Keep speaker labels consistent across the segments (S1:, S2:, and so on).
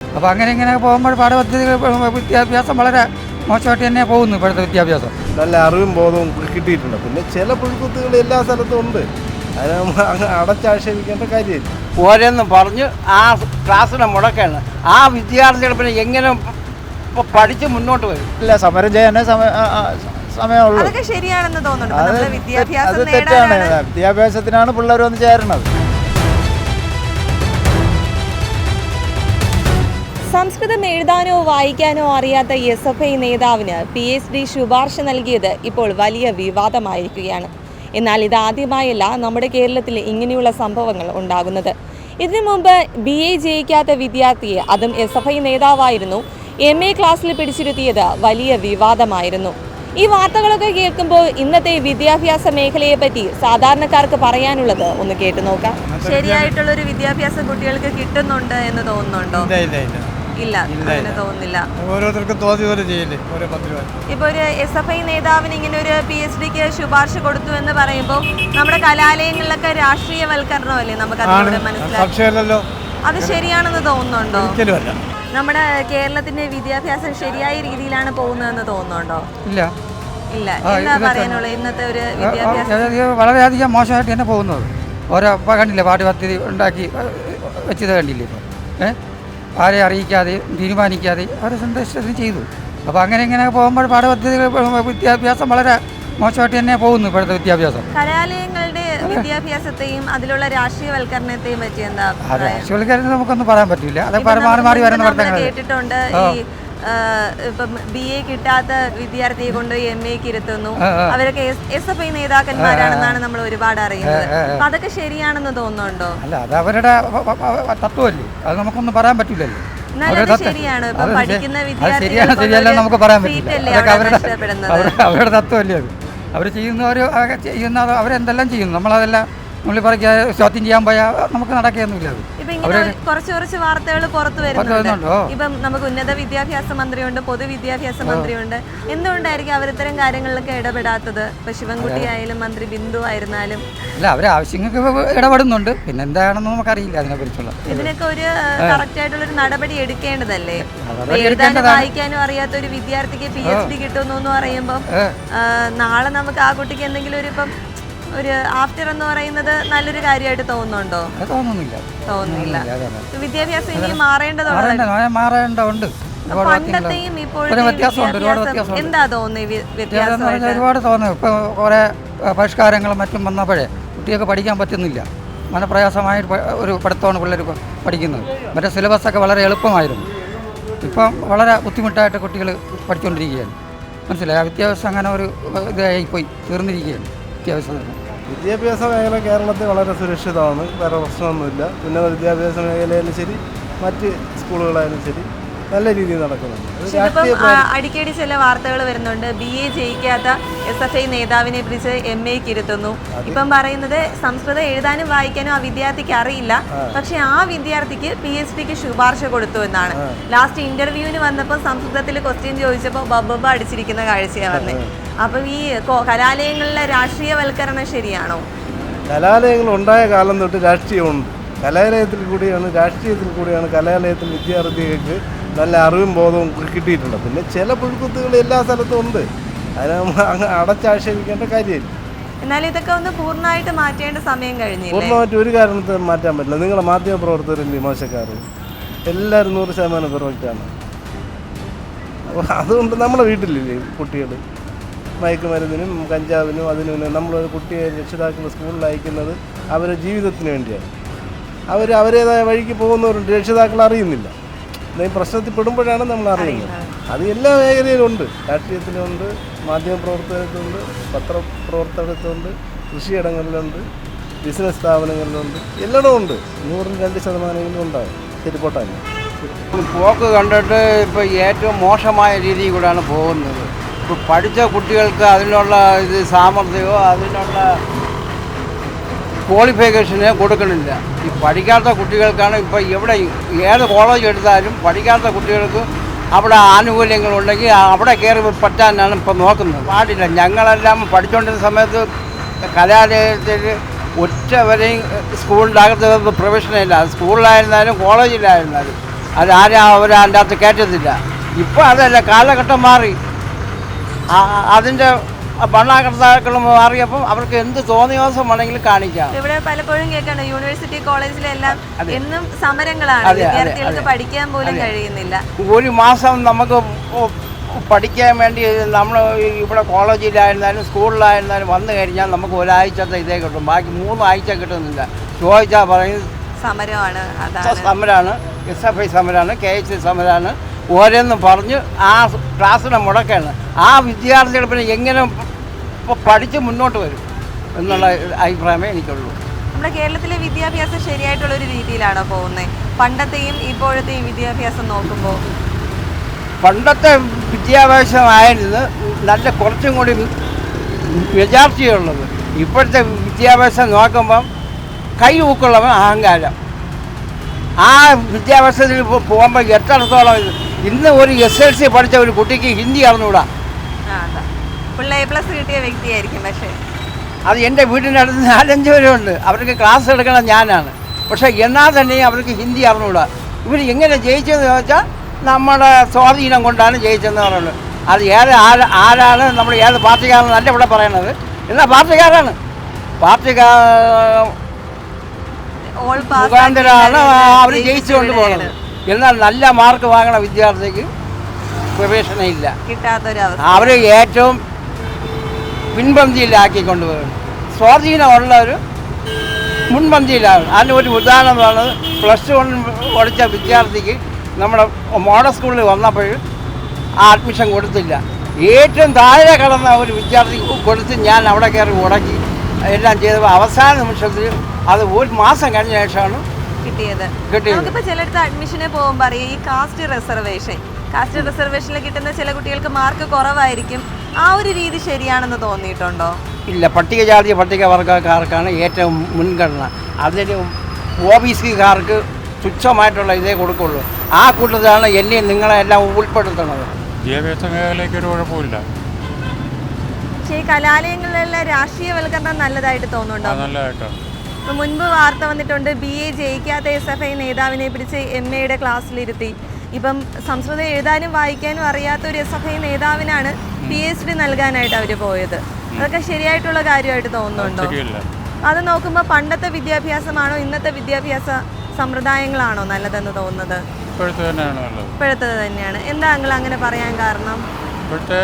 S1: അപ്പോൾ അങ്ങനെ ഇങ്ങനെ പോകുമ്പോൾ പാഠപദ്ധതികൾ വിദ്യാഭ്യാസം വളരെ മോശമായിട്ട് തന്നെ പോകുന്നു ഇപ്പോഴത്തെ വിദ്യാഭ്യാസം.
S2: നല്ല അറിവും ബോധവും കിട്ടിയിട്ടുണ്ട്. പിന്നെ ചില പുഴുക്കുത്തുകൾ എല്ലാ സ്ഥലത്തും ഉണ്ട്. അതിനെ അങ്ങ് അടച്ചാക്ഷേപിക്കേണ്ട കാര്യമില്ല.
S3: ഓരോന്നും പറഞ്ഞ് ആ ക്ലാസ്സിനെ മുടക്കാണ്. ആ വിദ്യാർത്ഥികൾ പിന്നെ എങ്ങനെ പഠിച്ച് മുന്നോട്ട് വരും?
S4: ഇല്ല, സമരം ചെയ്യാനേ സമയമുള്ളൂ.
S5: അതൊക്കെ ശരിയാണെന്ന് തോന്നുന്നു.
S4: അത് തെറ്റാണ്. വിദ്യാഭ്യാസത്തിനാണ് പിള്ളേർ വന്ന് ചേരണത്.
S5: സംസ്കൃതം എഴുതാനോ വായിക്കാനോ അറിയാത്ത SFI നേതാവിന് PhD ശുപാർശ നൽകിയത് ഇപ്പോൾ വലിയ വിവാദമായിരിക്കുകയാണ്. എന്നാൽ ഇതാദ്യമായല്ല നമ്മുടെ കേരളത്തിൽ ഇങ്ങനെയുള്ള സംഭവങ്ങൾ ഉണ്ടാകുന്നത്. ഇതിനു മുമ്പ് BA ജയിക്കാത്ത വിദ്യാർത്ഥിയെ, അതും SFI നേതാവായിരുന്നു, MA ക്ലാസ്സിൽ പിടിച്ചിരുത്തിയത് വലിയ വിവാദമായിരുന്നു. ഈ വാർത്തകളൊക്കെ കേൾക്കുമ്പോൾ ഇന്നത്തെ വിദ്യാഭ്യാസ മേഖലയെ പറ്റി സാധാരണക്കാർക്ക് പറയാനുള്ളത് ഒന്ന് കേട്ടു നോക്കാം. ശരിയായിട്ടുള്ള ഒരു വിദ്യാഭ്യാസം കുട്ടികൾക്ക് കിട്ടുന്നുണ്ട് എന്ന് തോന്നുന്നുണ്ടോ? ഇല്ല, അങ്ങനെ തോന്നുന്നില്ല.
S6: ഓരോരുത്തർക്കും തോന്നി പോലെ ചെയ്യില്ലേ ഓരോ 10 രൂപ.
S5: ഇപ്പൊ ഒരു SFI നേതാവിന് ഇങ്ങനെ ഒരു PhDക്ക് ശുപാർശ കൊടുത്തു എന്ന് പറയുമ്പോൾ നമ്മുടെ കലാലയങ്ങളിലൊക്കെ രാഷ്ട്രീയവൽക്കരണമല്ലേ നമുക്ക് അതിലൂടെ മനസ്സിലാക്കാം. അത് ശരിയാണെന്ന് തോന്നുന്നുണ്ടോ? നമ്മുടെ കേരളത്തിന്റെ വിദ്യാഭ്യാസം ശരിയായ രീതിയിലാണ് പോകുന്നതെന്ന് തോന്നുന്നുണ്ടോ?
S1: ഇല്ല.
S5: എന്താ പറയാനുള്ളത് ഇന്നത്തെ ഒരു വിദ്യാഭ്യാസം?
S1: വളരെയധികം മോശമായിട്ട് തന്നെ പോകുന്നത്. ഓരോ കണ്ടില്ലേ, പാഠ്യപദ്ധതി ഉണ്ടാക്കി വെച്ചത് കണ്ടില്ലേ ഇപ്പോൾ? ആരെ അറിയിക്കാതെയും തീരുമാനിക്കാതെ അവർ സന്ദേശത്തിന് ചെയ്തു. അപ്പോൾ അങ്ങനെ ഇങ്ങനെ പോകുമ്പോൾ പാഠപദ്ധതികൾ വിദ്യാഭ്യാസം വളരെ മോശമായിട്ട് തന്നെ പോകുന്നു ഇപ്പോഴത്തെ വിദ്യാഭ്യാസം.
S5: കലാലയങ്ങളുടെ വിദ്യാഭ്യാസത്തെയും അതിലുള്ള രാഷ്ട്രീയവൽക്കരണത്തെയും പറ്റി എന്താ?
S1: രാഷ്ട്രീയവൽക്കരണം നമുക്കൊന്നും പറയാൻ പറ്റില്ല. അതൊക്കെ മാറി വരുന്ന വർത്തമാനങ്ങൾ
S5: കേട്ടിട്ടുണ്ട്. ഈ ഇപ്പം BA കിട്ടാത്ത വിദ്യാർത്ഥിയെ കൊണ്ട് MAക്ക് ഇരുത്തുന്നു. അവരൊക്കെ SFI നേതാക്കന്മാരാണെന്നാണ് നമ്മൾ ഒരുപാട് അറിയുന്നത്. അപ്പൊ അതൊക്കെ ശരിയാണെന്ന് തോന്നുന്നുണ്ടോ?
S1: അല്ല, അത് അവരുടെ തത്വമല്ലേ, അത് നമുക്കൊന്നും പറയാൻ പറ്റില്ലല്ലോ.
S5: ശരിയാണ്. പഠിക്കുന്ന
S1: ശരിയല്ല നമുക്ക് പറയാൻ പറ്റില്ല. അവരുടെ തത്വമല്ലേ അത്. അവർ ചെയ്യുന്ന അവരെന്തെല്ലാം ചെയ്യുന്നു, നമ്മളതെല്ലാം നമ്മൾ പറയാ ചോദ്യം ചെയ്യാൻ പോയാൽ നമുക്ക് നടക്കുകയൊന്നുമില്ല. അത്
S5: കുറച്ച് വാർത്തകൾ പുറത്തു വരുന്നുണ്ട്. ഇപ്പം നമുക്ക് ഉന്നത വിദ്യാഭ്യാസ മന്ത്രിയുണ്ട്, പൊതുവിദ്യാഭ്യാസ മന്ത്രിയുണ്ട്. എന്തുകൊണ്ടായിരിക്കും അവർ ഇത്തരം കാര്യങ്ങളിലൊക്കെ ഇടപെടാത്തത്? ഇപ്പൊ ശിവൻകുട്ടി ആയാലും മന്ത്രി ബിന്ദു ആയിരുന്നാലും.
S1: അല്ല, അവരെ ആവശ്യങ്ങൾക്ക് ഇടപെടുന്നുണ്ട്. പിന്നെ എന്താണെന്ന് നമുക്കറിയില്ല അതിനെക്കുറിച്ചുള്ള.
S5: ഇതിനൊക്കെ ഒരു കറക്റ്റ് ആയിട്ടുള്ള ഒരു നടപടി എടുക്കേണ്ടതല്ലേ? എഴുതാനും വായിക്കാനും അറിയാത്ത ഒരു വിദ്യാർത്ഥിക്ക് PhD കിട്ടുന്നു എന്ന് പറയുമ്പോൾ നാളെ നമുക്ക് ആ കുട്ടിക്ക് എന്തെങ്കിലും ഒരു ആഫ്റ്റർ എന്ന് പറയുന്നത് നല്ലൊരു കാര്യമായിട്ട് തോന്നുന്നുണ്ടോ? തോന്നുന്നില്ല. വിദ്യാഭ്യാസം ഇനി
S1: മാറേണ്ടതുണ്ട്.
S5: പണ്ടത്തെയും ഇപ്പോഴത്തെയും എന്താ തോന്നുന്നത്?
S1: ഒരുപാട് തോന്നുന്നു. ഇപ്പോൾ കുറേ പരിഷ്കാരങ്ങളും മറ്റും വന്നപ്പോഴേ കുട്ടികൾക്ക് പഠിക്കാൻ പറ്റുന്നില്ല. മനപ്രയാസമായ ഒരു പഠിത്തമാണ് പിള്ളേർ പഠിക്കുന്നത്. മറ്റേ സിലബസൊക്കെ വളരെ എളുപ്പമായിരുന്നു. ഇപ്പം വളരെ ബുദ്ധിമുട്ടായിട്ട് കുട്ടികൾ പഠിച്ചുകൊണ്ടിരിക്കുകയാണ്. മനസ്സിലായി? വിദ്യാഭ്യാസം അങ്ങനെ ഒരു ഇതായിപ്പോയി തീർന്നിരിക്കുകയാണ്.
S2: വിദ്യാഭ്യാസ മേഖല കേരളത്തിൽ വളരെ സുരക്ഷിതമാണ്. വേറെ പ്രശ്നമൊന്നുമില്ല. ഉന്നത വിദ്യാഭ്യാസ മേഖലയിലും ശരി, മറ്റ് സ്കൂളുകളായാലും ശരി, നല്ല രീതിയിൽ നടക്കുന്നുണ്ട്.
S5: അടിക്കടി ചില വാർത്തകൾ വരുന്നുണ്ട്. BA ജയിക്കാത്ത SFI നേതാവിനെ പിടിച്ച് MAക്ക് ഇരുത്തുന്നു. ഇപ്പം പറയുന്നത് സംസ്കൃതം എഴുതാനും വായിക്കാനും ആ വിദ്യാർത്ഥിക്ക് അറിയില്ല, പക്ഷെ ആ വിദ്യാർത്ഥിക്ക് PhDക്ക് ശുപാർശ കൊടുത്തു എന്നാണ്. ലാസ്റ്റ് ഇന്റർവ്യൂവിന് വന്നപ്പോൾ സംസ്കൃതത്തിൽ ക്വസ്റ്റ്യൻ ചോദിച്ചപ്പോൾ ബബ്ബ അടിച്ചിരിക്കുന്ന കാഴ്ചയാണ് വന്നത്. അപ്പം ഈ കലാലയങ്ങളിലെ രാഷ്ട്രീയവൽക്കരണം ശരിയാണോ?
S2: കലാലയങ്ങൾ ഉണ്ടായ കാലം തൊട്ട് രാഷ്ട്രീയമുണ്ട്. കലാലയത്തിൽ കൂടിയാണ് കലാലയത്തിൽ വിദ്യാർത്ഥികൾക്ക് നല്ല അറിവും ബോധവും കിട്ടിയിട്ടുണ്ട്. പിന്നെ ചില പുഴുക്കുത്തുകൾ എല്ലാ സ്ഥലത്തും ഉണ്ട്. അതിനെ അങ്ങ് അടച്ചാക്ഷേപിക്കേണ്ട കാര്യമില്ല.
S5: എന്നാലും ഇതൊക്കെ ഒന്ന് പൂർണ്ണമായിട്ട് മാറ്റേണ്ട സമയം കഴിഞ്ഞില്ലേ?
S2: പൂർണ്ണമായിട്ട് ഒരു കാരണത്തിൽ മാറ്റാൻ പറ്റില്ല. നിങ്ങളെ മാധ്യമ പ്രവർത്തകരല്ലേ മോശക്കാർ? എല്ലാവരും 100% പെർഫെക്റ്റാണ്. അപ്പോൾ അതുകൊണ്ട് നമ്മുടെ വീട്ടിലില്ലേ കുട്ടികൾ മയക്കുമരുന്നിനും കഞ്ചാവിനും അതിനും നമ്മളൊരു കുട്ടിയെ രക്ഷിതാക്കൾ സ്കൂളിൽ അയക്കുന്നത് അവരുടെ ജീവിതത്തിന് വേണ്ടിയാണ്. അവരേതായ വഴിക്ക് പോകുന്നവരുണ്ട്, രക്ഷിതാക്കൾ അറിയുന്നില്ല. എന്തെങ്കിലും പ്രശ്നത്തിൽ പെടുമ്പോഴാണ് നമ്മൾ അറിയുന്നത്. അത് എല്ലാ മേഖലയിലുണ്ട്. രാഷ്ട്രീയത്തിലുണ്ട്, മാധ്യമപ്രവർത്തനത്തിലുണ്ട്, പത്രപ്രവർത്തനത്തിലുണ്ട്, കൃഷിയിടങ്ങളിലുണ്ട്, ബിസിനസ് സ്ഥാപനങ്ങളിലുണ്ട്, എല്ലായിടവും ഉണ്ട്. 102% ഉണ്ടാകും. ശരി, പോട്ടാണ്
S3: പോക്ക് കണ്ടിട്ട് ഇപ്പോൾ ഏറ്റവും മോശമായ രീതിയിൽ കൂടെയാണ് പോകുന്നത്. ഇപ്പോൾ പഠിച്ച കുട്ടികൾക്ക് അതിനുള്ള സാമർഥ്യമോ അതിനുള്ള ക്വാളിഫിക്കേഷനെ കൊടുക്കണില്ല. ഈ പഠിക്കാത്ത കുട്ടികൾക്കാണ് ഇപ്പോൾ എവിടെ ഏത് കോളേജ് എടുത്താലും പഠിക്കാത്ത കുട്ടികൾക്ക് അവിടെ ആനുകൂല്യങ്ങളുണ്ടെങ്കിൽ അവിടെ കയറി പറ്റാനാണ് ഇപ്പോൾ നോക്കുന്നത്. പാടില്ല. ഞങ്ങളെല്ലാം പഠിച്ചുകൊണ്ടിരുന്ന സമയത്ത് കലാലയത്തിൽ ഒറ്റ വരെയും സ്കൂളിൻ്റെ അകത്ത് പ്രവേശനമില്ല. സ്കൂളിലായിരുന്നാലും കോളേജിലായിരുന്നാലും അതാരും അവരതിൻ്റെ അകത്ത് കയറ്റത്തില്ല. ഇപ്പോൾ അതല്ല, കാലഘട്ടം മാറി. അതിൻ്റെ ഭരണകർത്താക്കളും മാറിയപ്പം അവർക്ക് എന്ത് തോന്നിയോസം വേണമെങ്കിലും കാണിക്കാം.
S5: ഇവിടെ പലപ്പോഴും കേൾക്കണം യൂണിവേഴ്സിറ്റി കോളേജിലെല്ലാം എന്നും സമരങ്ങളാണ്,
S3: അതെ,
S5: വിദ്യാർത്ഥികൾക്ക് പഠിക്കാൻ പോലും കഴിയുന്നില്ല.
S3: ഒരു മാസം നമുക്ക് പഠിക്കാൻ വേണ്ടി നമ്മൾ ഇവിടെ കോളേജിലായിരുന്നാലും സ്കൂളിലായിരുന്നാലും വന്നു കഴിഞ്ഞാൽ നമുക്ക് ഒരാഴ്ചത്തെ ഇതേ കിട്ടും, ബാക്കി 3 ആഴ്ച കിട്ടുന്നില്ല. ചോദിച്ചാൽ പറയും
S5: സമരമാണ്, അതാണ്
S3: സമരമാണ്, SFI സമരമാണ്, KHC സമരമാണ്, ഓരോന്നും പറഞ്ഞ് ആ ക്ലാസ്സിനെ മുടക്കാണ്. ആ വിദ്യാർത്ഥികൾ പിന്നെ എങ്ങനെ പഠിച്ച് മുന്നോട്ട് വരും എന്നുള്ള അഭിപ്രായമേ എനിക്കുള്ളൂ.
S5: നമ്മുടെ കേരളത്തിലെ വിദ്യാഭ്യാസം ശരിയായിട്ടുള്ളൊരു രീതിയിലാണോ പോകുന്നത്? പണ്ടത്തെയും ഇപ്പോഴത്തെയും വിദ്യാഭ്യാസം നോക്കുമ്പോൾ
S3: പണ്ടത്തെ വിദ്യാഭ്യാസമായിരുന്നു നല്ല കുറച്ചും കൂടി മെജോറിറ്റിയുള്ളത്. ഇപ്പോഴത്തെ വിദ്യാഭ്യാസം നോക്കുമ്പം കൈ ഊക്കുള്ളവൻ അഹങ്കാരം. ആ വിദ്യാഭ്യാസത്തിൽ പോകുമ്പോൾ എത്രത്തോളം ഇന്ന് ഒരു SLC പഠിച്ച ഒരു കുട്ടിക്ക് ഹിന്ദി അറിഞ്ഞുകൂടാ.
S5: ഫുൾ A+ കിട്ടിയ വ്യക്തിയായിരിക്കും, പക്ഷേ
S3: അത് എൻ്റെ വീടിൻ്റെ അടുത്ത് 4-5 പേരുണ്ട്. അവർക്ക് ക്ലാസ് എടുക്കണം ഞാനാണ്. പക്ഷേ എന്നാൽ തന്നെയും അവർക്ക് ഹിന്ദി അറിഞ്ഞുകൂടാ. ഇവർ എങ്ങനെ ജയിച്ചതെന്ന് ചോദിച്ചാൽ നമ്മുടെ സ്വാധീനം കൊണ്ടാണ് ജയിച്ചതെന്ന് പറയുന്നത്. അത് ആരാണ് നമ്മൾ ഏത് പാർട്ടിക്കാരനല്ല ഇവിടെ പറയണത്, എന്നാൽ പാർട്ടിക്കാരാണ്. മുഖാന്തരമാണ് അവർ ജയിച്ചുകൊണ്ട് പോകുന്നത്. എന്നാൽ നല്ല മാർക്ക് വാങ്ങണ വിദ്യാർത്ഥിക്ക് പ്രവേശനം ഇല്ല,
S5: കിട്ടാത്തൊരവസ്ഥ.
S3: അവർ ഏറ്റവും പിൻപന്തിയിലാക്കി കൊണ്ടുപോകുന്നു. സ്വാധീനമുള്ളവർ മുൻപന്തിയിലാണ്. അതിന് ഒരു ഉദാഹരണം പറയുന്നത്, +1 പഠിച്ച വിദ്യാർത്ഥിക്ക് നമ്മുടെ മോഡൽ സ്കൂളിൽ വന്നപ്പോൾ ആ അഡ്മിഷൻ കൊടുത്തില്ല. ഏറ്റവും താഴെ കടന്ന ഒരു വിദ്യാർത്ഥി കൊടുത്ത് ഞാൻ അവിടെ കയറി ഉടക്കി എല്ലാം ചെയ്തപ്പോൾ അവസാന നിമിഷത്തിൽ അത് 1 മാസം കഴിഞ്ഞ ശേഷമാണ്
S5: കിട്ടിയത്. നമുക്കിപ്പോൾ ചിലയിടത്ത് അഡ്മിഷന് പോകുമ്പോൾ അറിയാം ഈ കാസ്റ്റ് റിസർവേഷനിൽ കിട്ടുന്ന ചില കുട്ടികൾക്ക് മാർക്ക് കുറവായിരിക്കും. ആ ഒരു രീതി ശരിയാണെന്ന് തോന്നിയിട്ടുണ്ടോ?
S3: ഇല്ല, പട്ടികജാതി പട്ടികവർഗക്കാർക്കാണ് ഏറ്റവും മുൻഗണന. അതിന് OBCക്കാർക്ക് തുച്ഛമായിട്ടുള്ള ഇതേ കൊടുക്കുള്ളൂ. ആ കൂട്ടത്തിലാണ് എന്നെയും നിങ്ങളെല്ലാം ഉൾപ്പെടുത്തുന്നത്.
S7: വിദ്യാഭ്യാസ മേഖലയ്ക്ക് ഒരു കുഴപ്പമില്ല.
S5: പക്ഷേ ഈ കലാലയങ്ങളിലെ രാഷ്ട്രീയവൽക്കരണം നല്ലതായിട്ട് തോന്നുന്നുണ്ടോ?
S7: നല്ലതായിട്ടാണ്.
S5: ഇപ്പം മുൻപ് വാർത്ത വന്നിട്ടുണ്ട്, BA ജയിക്കാത്ത SFI നേതാവിനെ പിടിച്ച് MAയുടെ ക്ലാസ്സിലിരുത്തി. ഇപ്പം സംസ്കൃതം എഴുതാനും വായിക്കാനും അറിയാത്ത ഒരു SFI നേതാവിനാണ് PhD നൽകാനായിട്ട് അവർ പോയത്. അതൊക്കെ ശരിയായിട്ടുള്ള കാര്യമായിട്ട് തോന്നുന്നുണ്ടോ? അത് നോക്കുമ്പോൾ പണ്ടത്തെ വിദ്യാഭ്യാസമാണോ ഇന്നത്തെ വിദ്യാഭ്യാസ സമ്പ്രദായങ്ങളാണോ നല്ലതെന്ന് തോന്നുന്നത്? ഇപ്പോഴത്തെ തന്നെയാണ്. എന്താ നിങ്ങൾ അങ്ങനെ പറയാൻ കാരണം?
S7: ഇപ്പോഴത്തെ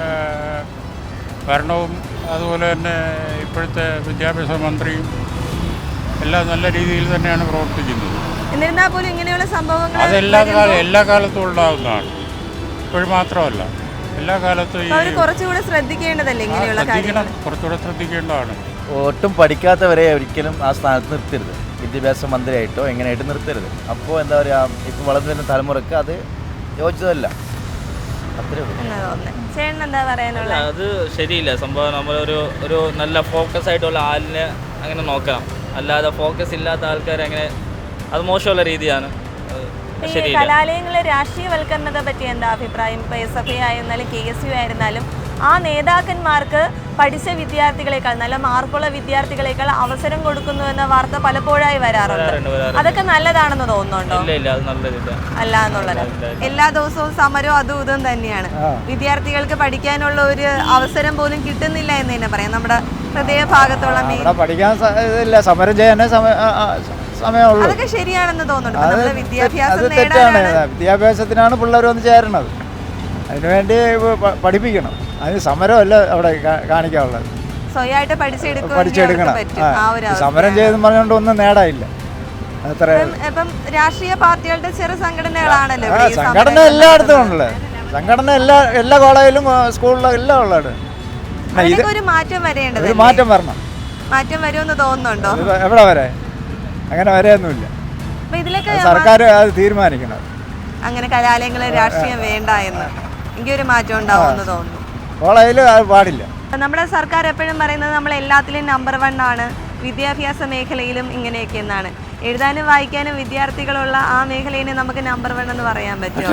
S7: ഭരണവും അതുപോലെ തന്നെ ഇപ്പോഴത്തെ വിദ്യാഭ്യാസ മന്ത്രിയും എല്ലാം നല്ല രീതിയിൽ തന്നെയാണ് പ്രവർത്തിക്കുന്നത്.
S5: എന്നിരുന്നാൽ പോലും ഇങ്ങനെയുള്ള സംഭവങ്ങൾ
S7: എല്ലാ കാലത്തും ഉണ്ടാകുന്നതാണ്. ഇപ്പോഴും മാത്രമല്ല, എല്ലാ കാലത്തും
S5: കുറച്ചുകൂടെ ശ്രദ്ധിക്കേണ്ടതല്ലേ ഇങ്ങനെയുള്ള കാര്യങ്ങൾ?
S7: കുറച്ചുകൂടെ ശ്രദ്ധിക്കേണ്ടതാണ്.
S4: ഒട്ടും പഠിക്കാത്തവരെ ഒരിക്കലും ആ സ്ഥാനത്ത് നിർത്തരുത്. വിദ്യാഭ്യാസ മന്ത്രിയായിട്ടോ എങ്ങനെയായിട്ട് നിർത്തരുത്. അപ്പോൾ എന്താ പറയുക, ഇപ്പോൾ വളർന്നു വരുന്ന തലമുറക്ക് അത് യോജിച്ചതല്ല. അത്രേ ഉള്ളൂ.
S5: എന്താ പറയാനുള്ള?
S8: അത് ശരിയില്ല സംഭവം. നമ്മളൊരു നല്ല ഫോക്കസ് ആയിട്ടുള്ള ആളിനെ അങ്ങനെ നോക്കണം. അല്ലാതെ ഫോക്കസ് ഇല്ലാത്ത ആൾക്കാർ അങ്ങനെ, അത് മോശമുള്ള രീതിയാണ്.
S5: കലാലയങ്ങളിലെ രാഷ്ട്രീയവൽക്കരണത്തെ പറ്റി എന്താ അഭിപ്രായം? ഇപ്പോൾ SFI ആയിരുന്നാലും KSU ആയിരുന്നാലും ആ നേതാക്കന്മാർക്ക് പഠിച്ച വിദ്യാർത്ഥികളെക്കാൾ, നല്ല മാർക്കുള്ള വിദ്യാർത്ഥികളെക്കാൾ അവസരം കൊടുക്കുന്നു എന്ന വാർത്ത പലപ്പോഴായി വരാറുണ്ട്. അതൊക്കെ നല്ലതാണെന്ന് തോന്നുന്നുണ്ടോ? അല്ല എന്നുള്ളത്. എല്ലാ ദിവസവും സമരവും അതും ഇതും തന്നെയാണ്. വിദ്യാർത്ഥികൾക്ക് പഠിക്കാനുള്ള ഒരു അവസരം പോലും കിട്ടുന്നില്ല എന്ന് തന്നെ പറയാം. നമ്മുടെ ഹൃദയഭാഗത്തുള്ള
S4: പഠിക്കാൻ സമരം ചെയ്യാനേ സമയമുള്ളൂ.
S5: അതൊക്കെ ശരിയാണെന്ന് തോന്നുന്നുണ്ട്.
S4: വിദ്യാഭ്യാസത്തിനാണ് പിള്ളേർ വന്ന് ചേരണത്. അതിനുവേണ്ടി പഠിപ്പിക്കണം. അതിന് സമരമല്ല അവിടെ കാണിക്കാനുള്ളത്.
S5: സ്വയമായിട്ട്
S4: പഠിച്ചെടുക്കണം. സമരം ചെയ്തെന്ന് പറഞ്ഞുകൊണ്ട് ഒന്നും നേടാനില്ല. അത്ര
S5: രാഷ്ട്രീയ പാർട്ടികളുടെ ചെറു സംഘടനകളാണല്ലോ.
S4: സംഘടന എല്ലായിടത്തും ഉണ്ടല്ലേ. സംഘടന എല്ലാ കോളേജിലും സ്കൂളിലും എല്ലാം ഉള്ളത്.
S5: ഒരു മാറ്റം വരേണ്ടത്.
S4: ഒരു മാറ്റം വരണം.
S5: മാറ്റം വരുമെന്ന് തോന്നുന്നുണ്ടോ?
S4: എവിടെ വരെ? അങ്ങനെ വരെയൊന്നുമില്ല. സർക്കാർ അത് തീരുമാനിക്കണം.
S5: അങ്ങനെ കലാലയങ്ങളിൽ രാഷ്ട്രീയം വേണ്ട എന്ന് എനിക്കൊരു മാറ്റം ഉണ്ടാവുമെന്ന് തോന്നുന്നു.
S4: കോളേജിൽ അത് പാടില്ല.
S5: നമ്മുടെ സർക്കാർ എപ്പോഴും പറയുന്നത് നമ്മൾ എല്ലാത്തിലും നമ്പർ 1 ആണ്, വിദ്യാഭ്യാസ മേഖലയിലും ഇങ്ങനെയൊക്കെ എന്നാണ്. എഴുതാനും വായിക്കാനും വിദ്യാർത്ഥികളുള്ള ആ മേഖലയെ നമുക്ക് നമ്പർ 1 എന്ന് പറയാൻ പറ്റുമോ?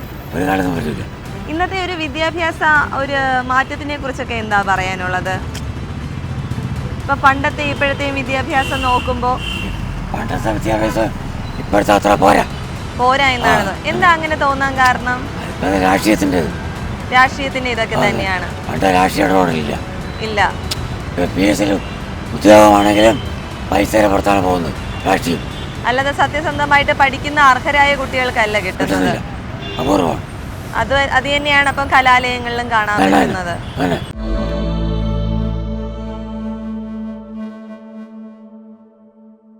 S5: ഇന്നത്തെ ഒരു വിദ്യാഭ്യാസ ഒരു മാറ്റത്തിനെ കുറിച്ചൊക്കെ എന്താ പറയാനുള്ളത്? ഇപ്പം പണ്ടത്തെ ഇപ്പോഴത്തെയും വിദ്യാഭ്യാസം നോക്കുമ്പോൾ
S1: പണ്ടത്തെ വിദ്യാഭ്യാസം ഇപ്പോഴത്തെ അത്ര പോരാ.
S5: പോരാ എന്നാണ്. എന്താ അങ്ങനെ തോന്നാൻ കാരണം? രാഷ്ട്രീയത്തിന്റെ ഇതൊക്കെ തന്നെയാണ്. ഇല്ല,
S1: ഉദ്യോഗമാണെങ്കിലും പൈസയുടെ പുറത്താണ് പോകുന്നത് രാഷ്ട്രീയം.
S5: അല്ലാതെ സത്യസന്ധമായിട്ട് പഠിക്കുന്ന അർഹരായ കുട്ടികൾക്കല്ല കിട്ടുന്നത്.
S1: അപൂർവം.
S5: അത് തന്നെയാണ് അപ്പം കലാലയങ്ങളിലും കാണാൻ പറ്റുന്നത്.